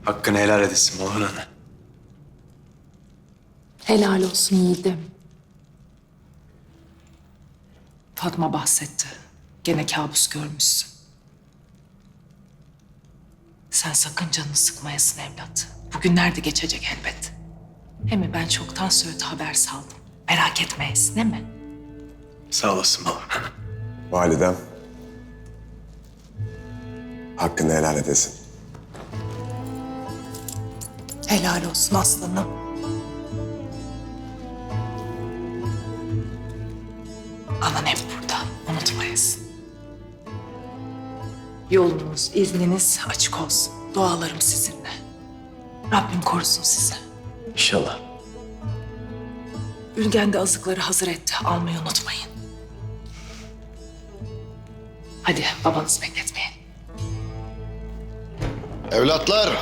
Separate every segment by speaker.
Speaker 1: Hakkını helal edesin Malhun Ana.
Speaker 2: Helal olsun yiğidim. Fatma bahsetti. Gene kabus görmüşsün. Sen sakın canını sıkmayasın evlat. Bugünler de geçecek elbet. Hem ben çoktan Söğüt'e haber saldım. Merak etmeyesin değil mi?
Speaker 1: Sağ olasın Malhun Ana.
Speaker 3: Validem. Hakkını helal edesin.
Speaker 2: Helal olsun aslanım. Anan hep burada. Unutmayasın. Yolunuz, izniniz açık olsun. Dualarım sizinle. Rabbim korusun sizi.
Speaker 1: İnşallah.
Speaker 2: Ülgen de azıkları hazır etti. Almayı unutmayın. Hadi babanızı bekletmeyin.
Speaker 4: Evlatlar,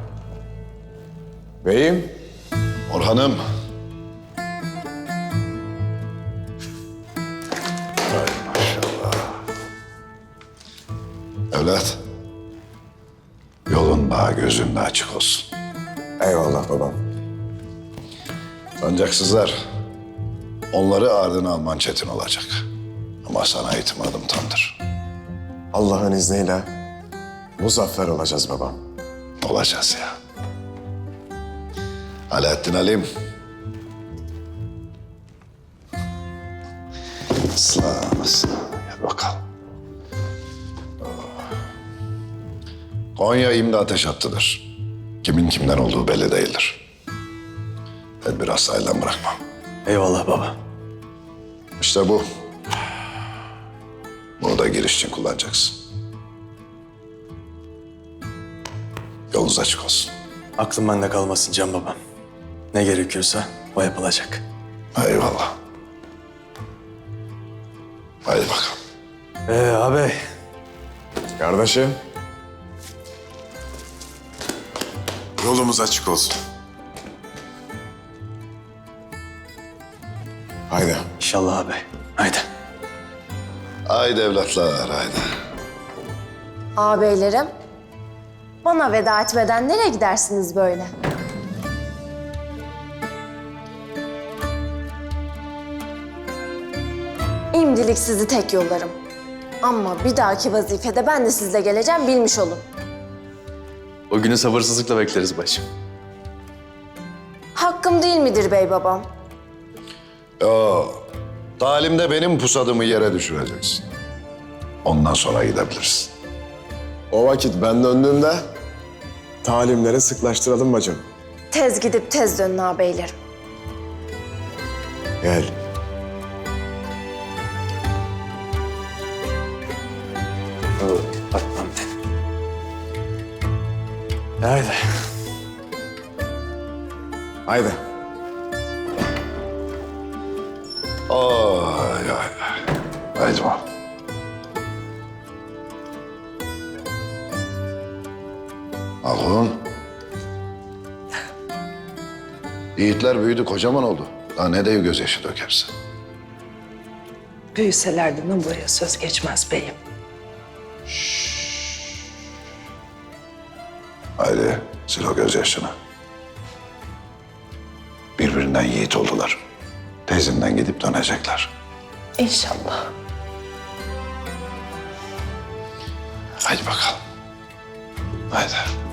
Speaker 3: Beyim.
Speaker 4: Orhan'ım. Ay maşallah. Evlat, yolun daha gözün de açık olsun.
Speaker 3: Eyvallah babam.
Speaker 4: Sancaksızlar, onları ardına alman çetin olacak. Ama sana itimadım tamdır.
Speaker 3: Allah'ın izniyle muzaffer olacağız babam.
Speaker 4: Olacağız ya. Alaaddin Alim. Aslan, aslan. Gel bakalım. Konya imdi ateş hattıdır. Kimin kimden olduğu belli değildir. Tedbir asla elden bırakmam.
Speaker 1: Eyvallah baba.
Speaker 4: İşte bu. Bunu da giriş için kullanacaksın. Yolunuz açık olsun.
Speaker 1: Aklım bende kalmasın Can babam. Ne gerekiyorsa o yapılacak.
Speaker 4: Eyvallah. Haydi bakalım.
Speaker 1: Ağabey.
Speaker 3: Kardeşim. Yolumuz açık olsun. Haydi.
Speaker 1: İnşallah ağabey. Haydi.
Speaker 4: Haydi evlatlar, haydi.
Speaker 5: Ağabeylerim, bana veda etmeden nereye gidersiniz böyle? İmdilik sizi tek yollarım. Ama bir dahaki vazifede ben de sizle geleceğim, bilmiş olun.
Speaker 1: O günü sabırsızlıkla bekleriz başım.
Speaker 5: Hakkım değil midir bey babam?
Speaker 4: Yo, talimde benim pusadımı yere düşüreceksin. Ondan sonra gidebilirsin.
Speaker 3: O vakit ben döndüğümde talimleri sıklaştıralım bacım.
Speaker 5: Tez gidip tez dönün ağabeylerim.
Speaker 3: Gel.
Speaker 1: Bakmam ben. Haydi.
Speaker 3: Haydi.
Speaker 4: Ay ay ay. Haydi bakalım. Alhun. Yiğitler büyüdü, kocaman oldu. Daha ne dev gözyaşı dökersin.
Speaker 2: Büyüselerdi buraya söz geçmez beyim.
Speaker 4: Haydi sil o gözyaşını. Birbirinden yiğit oldular. Tezinden gidip dönecekler.
Speaker 2: İnşallah.
Speaker 4: Haydi bakalım. Haydi.